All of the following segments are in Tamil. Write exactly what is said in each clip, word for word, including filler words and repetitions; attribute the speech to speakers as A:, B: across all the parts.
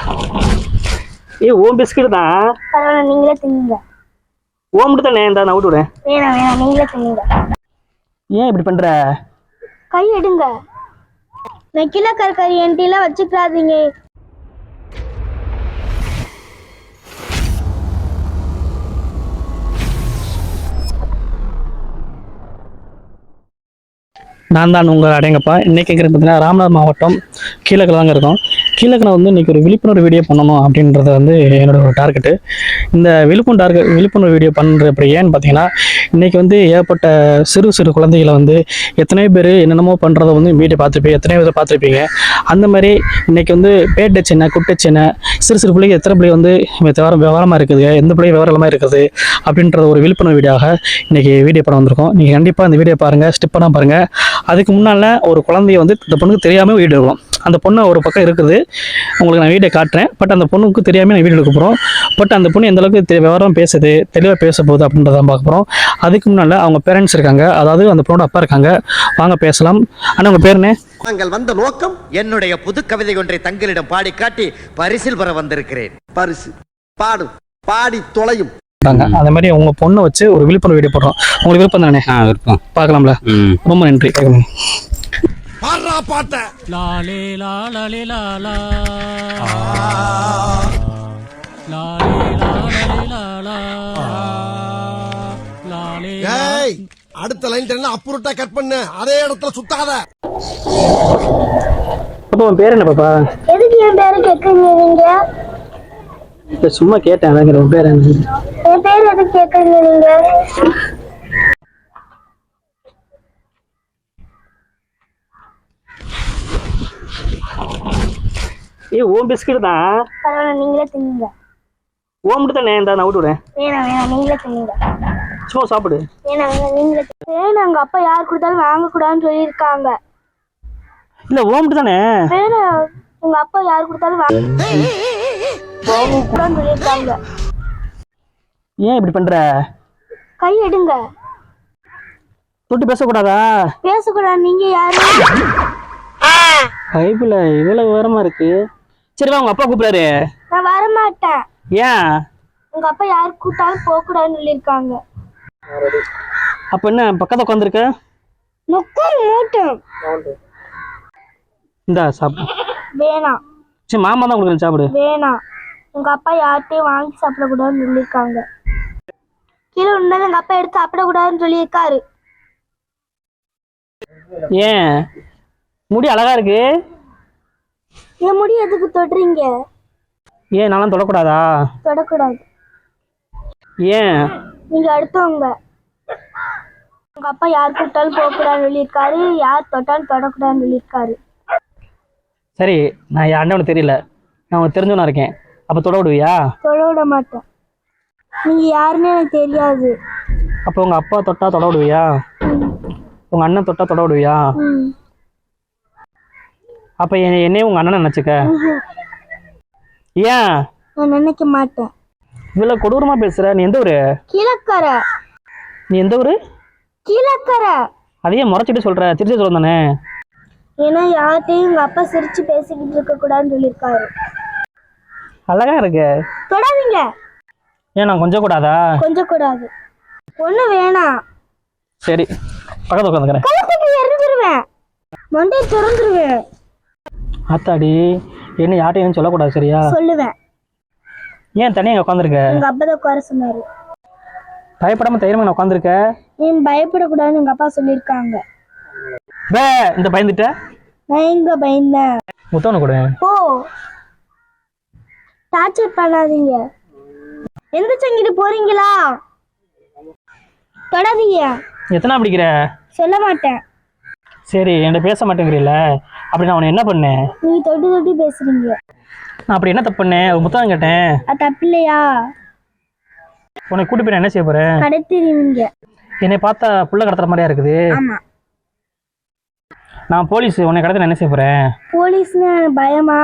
A: ஏய் ஓம் பிஸ்கட் தான்.
B: பரவாயில்ல நீங்களே தின்னுங்க.
A: ஓம் மட்டும் தானே இந்த நான் விட்டு விடுறேன்.
B: வேணாம் வேணாம் நீங்களே தின்னுங்க.
A: ஏன் இப்படி பண்ற?
B: கை எடுங்க. நெக்கில கறி என்கிட்ட வச்சுக்காதீங்க.
A: நான் தான் உங்கள் அடையங்கப்பா. இன்றைக்கி கேட்குறது பார்த்தீங்கன்னா ராமநாதபுரம் மாவட்டம் கீழக்கில் தாங்க இருக்கும். கீழக்கில் வந்து இன்றைக்கி ஒரு விழிப்புணர்வு வீடியோ பண்ணணும் அப்படின்றது வந்து என்னோட ஒரு டார்கெட்டு. இந்த விழிப்புணர்வு டார்கெட் விழிப்புணர்வு வீடியோ பண்ணுற அப்படி ஏன்னு பார்த்தீங்கன்னா இன்றைக்கி வந்து ஏற்பட்ட சிறு சிறு குழந்தைகளை வந்து எத்தனை பேர் என்னென்னமோ பண்ணுறதை வந்து வீடியோ பார்த்துருப்பீங்க, எத்தனை பேர் பார்த்துருப்பீங்க. அந்த மாதிரி இன்றைக்கி வந்து பேட்டை சின்ன குட்டை சின்ன சிறு சிறு பிள்ளைங்க எத்தனை பிள்ளை வந்து விவரம் விவரமாக இருக்குது, எந்த பிள்ளை விவரமாக இருக்குது அப்படின்றத ஒரு விழிப்புணர்வு வீடியோவாக இன்றைக்கி வீடியோ படம் வந்திருக்கோம். நீங்கள் கண்டிப்பாக இந்த வீடியோ பாருங்கள், ஸ்டிப் பண்ணால் பாருங்கள். அதுக்கு முன்னால் ஒரு குழந்தைய வந்து இந்த பொண்ணுக்கு தெரியாமல் வீடியோ எடுக்கிறோம். அந்த பொண்ணு ஒரு பக்கம் இருக்குது, உங்களுக்கு நான் வீடியோ காட்டுறேன். பட் அந்த பொண்ணுக்கு தெரியாமல் நான் வீடியோ எடுக்க போகிறோம். பட் அந்த பொண்ணு எந்தளவுக்கு விவரம் பேசுது, தெளிவாக பேச போகுது அப்படின்றத பார்க்க போகிறோம். அதுக்கு முன்னால் அவங்க பேரண்ட்ஸ் இருக்காங்க, அதாவது அந்த பொண்ணோட அப்பா இருக்காங்க. வாங்க பேசலாம். ஆனால் உங்கள் பேர் என்ன?
C: நாங்கள் வந்த நோக்கம் என்னுடைய புது கவிதை ஒன்றை தங்களிடம் பாடி காட்டி பரிசில் பெற வந்திருக்கிறேன். பரிசு பாடு பாடி தொலையும்.
A: அந்த மாதிரி உங்க பொண்ணை வச்சு ஒரு விழிப்புணர்வு வீடியோ போடுறோம். உங்களுக்கு விருப்பம் தானே? விருப்பம். பார்க்கலாம்ல? ரொம்ப நன்றி.
C: அடுத்த லைன் அப்புறட்டா கட் பண்ணு, அதே இடத்துல சுத்தாத.
A: உன் பேர் என்ன பாப்பா?
B: எதுக்கு என் பேரு கேக்குறீங்க?
A: சும்மா கேட்டேன். உன் பேர் என்ன?
B: என் பேர் எதுக்கு கேக்குறீங்க நீங்க?
A: ஏய் ஓம் பிஸ்கட் தான்.
B: பரவாயில்ல நீங்களே தின்னுங்க.
A: ஓம் மட்டும் தானே இந்த நான் விட்டு விடுறேன்.
B: வேணாம் வேணாம் நீங்களே தின்னுங்க.
A: சும்மா சாப்பிடு.
B: வேணாம் வேணாம் நீங்களே. வேணாம் உங்க அப்பா யார் கொடுத்தாலும் வாங்கக்கூடாதுன்னு சொல்லியிருக்காங்க.
A: இல்ல ஓம் மட்டும் தானே.
B: வேணாம் உங்க அப்பா யார் கொடுத்தாலும் வாங்கக்கூடாதுன்னு சொல்லியிருக்காங்க.
A: ஏன் இப்படி பண்ற?
B: கை எடுங்க.
A: தொட்டு பேசக்கூடாதா?
B: பேசக்கூடாது. நீங்க யாரு?
A: பைபிள் இவ்வளவு விவரமா இருக்கு. சரி வா, உங்க அப்பா கூப்பிடாரு.
B: நான் வர மாட்டேன்.
A: ஏன்?
B: உங்க அப்பா யாரு கூட்டாலும் போக கூடாதுன்னு சொல்லியிருக்காங்க.
A: அப்ப என்ன பக்கத்துல உட்காந்துருக்க?
B: நொக்கர் மூட்டும்.
A: இந்தா சாப்பிடு.
B: வேணாம்.
A: சரி மாமா தான் உங்களுக்கு சாப்பிடு.
B: வேணாம். உங்க அப்பா யார்கிட்டயும் வாங்கி சாப்பிடக்கூடாதுன்னு சொல்லியிருக்காங்க. கீழே உண்டாலும் எங்க அப்பா எடுத்து சாப்பிடக்கூடாதுன்னு சொல்லியிருக்காரு.
A: ஏன்? முடி அழகா இருக்கு.
B: என் முடி எதுக்கு தொடுறீங்க?
A: ஏன் நானும் தொடக்கூடாதா?
B: தொடக்கூடாது.
A: ஏன்?
B: நீங்க அடுத்தவங்க. உங்க அப்பா யார் கூட்டாலும் போகக்கூடாதுன்னு சொல்லியிருக்காரு, யார் தொட்டாலும் தொடக்கூடாதுன்னு சொல்லியிருக்காரு.
A: சரி, நான் என் அண்ணவனு தெரியல, நான் உனக்கு தெரிஞ்சவனா இருக்கேன். அப்ப தொட விடுவியா?
B: தொட விட மாட்டேன். நீங்க யாருன்னு எனக்கு தெரியாது.
A: அப்ப உங்க அப்பா தொட்டா தொட விடுவியா? உங்க அண்ணன் தொட்டா தொட விடுவியா? அப்ப என்னையும் உங்க அண்ணனை நினைச்சுக்க. ஏன்?
B: நான் நினைக்க மாட்டேன்.
A: இவ்வளவு கொடூரமா பேசுற. நீ எந்த ஊரு?
B: கீழக்கரை.
A: நீ எந்த ஊரு?
B: கீழக்கரை.
A: அதையே முறைச்சிட்டு சொல்ற? திருச்சி சொல்ல தானே?
B: ஏன்னா யார்கிட்டையும் உங்க அப்பா சிரிச்சு பேசிக்கிட்டு இருக்க கூடாதுன்னு சொல்லியிருக்காரு.
A: அழகா இருக்கு.
B: தொடாதீங்க.
A: ஏன் நான் கொஞ்சம் கூடாதா?
B: கொஞ்சம் கூடாது. ஒண்ணு வேணாம்.
A: சரி பக்கத்துல உட்காந்துக்கிறேன்.
B: கழுத்துக்கு எரிஞ்சிருவேன், மண்டையை திறந்துருவேன்.
A: ஆத்தாடி, என்ன யார்ட்டையும் சொல்லக்கூடாது சரியா?
B: சொல்லுவேன்.
A: ஏன் தனியா இங்க உட்காந்துருக்க?
B: எங்க அப்பா தான் உட்கார சொன்னாரு.
A: பயப்படாம தைரியமா நான் உட்காந்துருக்க.
B: நீ பயப்படக்கூடாதுன்னு எங்க அப்பா சொல்லியிருக்காங்க.
A: பே இந்த பயந்துட்ட.
B: நான் எங்க பயந்தேன்?
A: முத்தவனை கூட
B: ஓ டார்ச்சர் பண்ணாதீங்க. எந்த சங்கிட்டு போறீங்களா? தொடாதீங்க.
A: எத்தனை பிடிக்கிற?
B: சொல்ல மாட்டேன்.
A: சரி என்கிட்ட பேச மாட்டேங்கிறீல்ல, அப்படி நான் உன்னை என்ன பண்ணேன்?
B: நீ தொட்டு தொட்டு பேசுறீங்க.
A: நான் அப்படி என்ன தப்பு பண்ணேன்? ஒரு முத்தம் கேட்டேன்.
B: அது தப்பு இல்லையா?
A: உன்னை கூட்டி போய் என்ன செய்ய போறேன்?
B: கடத்திடுவீங்க.
A: என்னை பார்த்தா புள்ள கடத்துற மாதிரியா இருக்குது.
B: ஆமா.
A: நான் போலீஸ், உன்னை கடத்த என்ன செய்ய போறேன்?
B: போலீஸ்னு பயமா?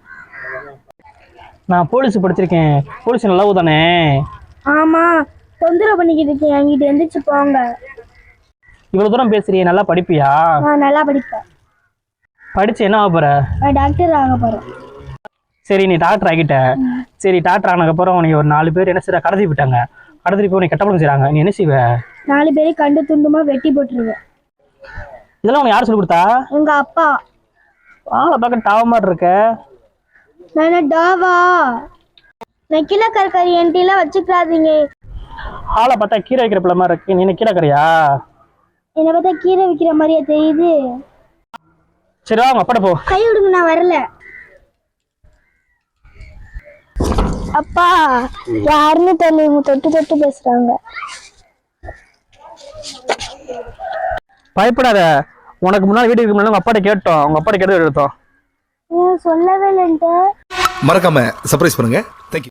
A: நான் போலீஸ் படிச்சிருக்கேன். போலீஸ் நல்லா தானே?
B: ஆமா. தொந்தரவு பண்ணிக்கிட்டு இருக்கேன், என்கிட்ட எந்திரிச்சு போங்க.
A: இவ்வளவு தூரம் பேசுறியே, நல்லா படிப்பியா?
B: நான் நல்லா படிப்பேன்.
A: படிச்சு என்ன ஆக போற?
B: நான் டாக்டர் ஆக போறேன்.
A: சரி நீ டாக்டர் ஆகிட்ட, சரி டாக்டர் ஆனதுக்கப்புறம் உனக்கு ஒரு நாலு பேர் என்ன செய்யற கடத்தி விட்டாங்க, கடத்தி போய் உனக்கு கெட்டப்படம் செய்றாங்க, நீ என்ன செய்வ?
B: நாலு பேரையும் கண்டு துண்டுமா வெட்டி போட்டுருவேன்.
A: இதெல்லாம் உனக்கு யார் சொல்லி கொடுத்தா?
B: எங்க அப்பா.
A: ஆளை பார்க்க டாவ மாதிரி இருக்க.
B: நான் டாவா? நான் கீழே கறி என்கிட்ட வச்சுக்கிறாதீங்க.
A: ஆளை பார்த்தா கீரை வைக்கிற பிள்ளை மாதிரி இருக்கு, நீ என்ன கீரை கறியா?
B: என்னை பார்த்தா கீரை வைக்கிற மாதிரியா தெரியுது?
A: சரி வாங்க அப்பாட்ட போ.
B: கை விடுங்க, நான் வரல. அப்பா யாருன்னு தெரியல, இவங்க தொட்டு தொட்டு பேசுறாங்க.
A: பயப்படாத, உனக்கு முன்னாடி வீட்டுக்கு முன்னாடி உங்க அப்பாட்ட கேட்டோம், உங்க அப்பாட்ட கேட்டு எடுத்தோம்.
B: சொல்லவே இல்லைன்ட்டு
D: மறக்காம சர்ப்ரைஸ் பண்ணுங்க. தேங்க்யூ.